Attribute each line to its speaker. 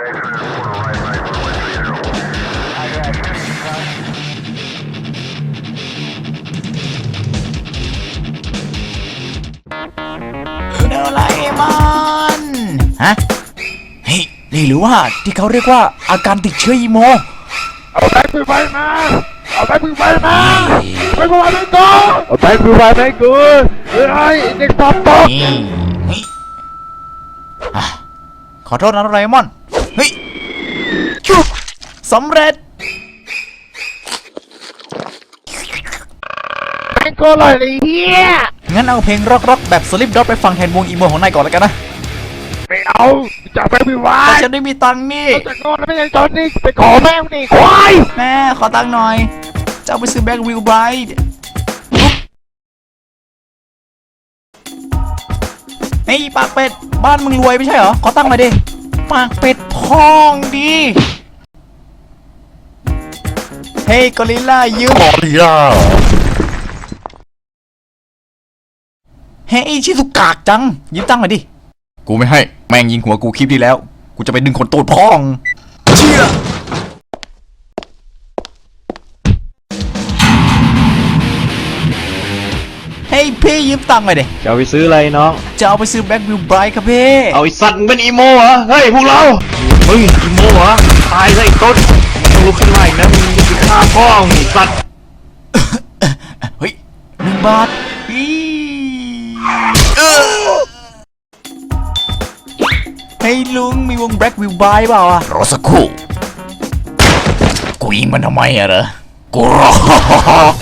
Speaker 1: โดราเอมอนฮะเฮ้ยนี่หรือว่าที่เขาเรียกว่าอาการติดเชื้ออีโม
Speaker 2: เอาแบงค์ไฟมาเอาแบงค์ไฟมาไปกูมาไม่กูเอาแบงค์ไฟให้กูเฮ้ยเด็กตบตบ
Speaker 1: ขอโทษนะโดราเอมอนเฮ้ยจุ๊บสำเร็จ
Speaker 2: แบงค์กูเลยเฮีย
Speaker 1: งั้นเอาเพลงร็อกๆแบบสลิปด็อตไปฟังแทนวงอีโมของนายก่อนแล้วกันนะ
Speaker 2: ไม่เอาจะแบงค์ไฟ
Speaker 1: แต่ฉันได้มีตังค์นี่
Speaker 2: จะโง่แล้วไม่ใช่ตอนนี้ไปขอแม่งนี่ควาย
Speaker 1: แม่ขอตังค์หน่อยจะเอาไปซื้อแบ็ควิลไบรท์เฮ้ยปากเป็ดบ้านมึงรวยไม่ใช่เหรอขอตังค์มาดิปากเป็ดพองดีเฮ้ยกอริลล่ายืม
Speaker 2: กอริลล่า
Speaker 1: เฮ้ยชิสุกากจังยืมตังค์มาดิกูไม่ให้แม่งยิงหัวกูคลิปที่แล้วกูจะไปดึงคนโตดพองเชี่ยเฮ้ยพี่ยืมตังค์หน่อยดิ
Speaker 3: จะเอาไปซื้ออะไรน้อง
Speaker 1: จะเอาไปซื้อแบ็ควิลไบรท์ครับพี่
Speaker 3: เอาไอ้สัตว์เป็นอีโมเหรอเฮ้ยพวกเรามึงอีโมเหรอตายซะไอ้ต้นต้องลุกขึ้นมาอีกนะมึงจะไปฆ่าพ่อมึงสัตว์
Speaker 1: เฮ้ย1 บาทเฮ้ยลุงมีวงแบ็ควิลไบรท์เปล่าอ่ะรอสักครู่กูยิงมันทำไมอะเหรอกูรอ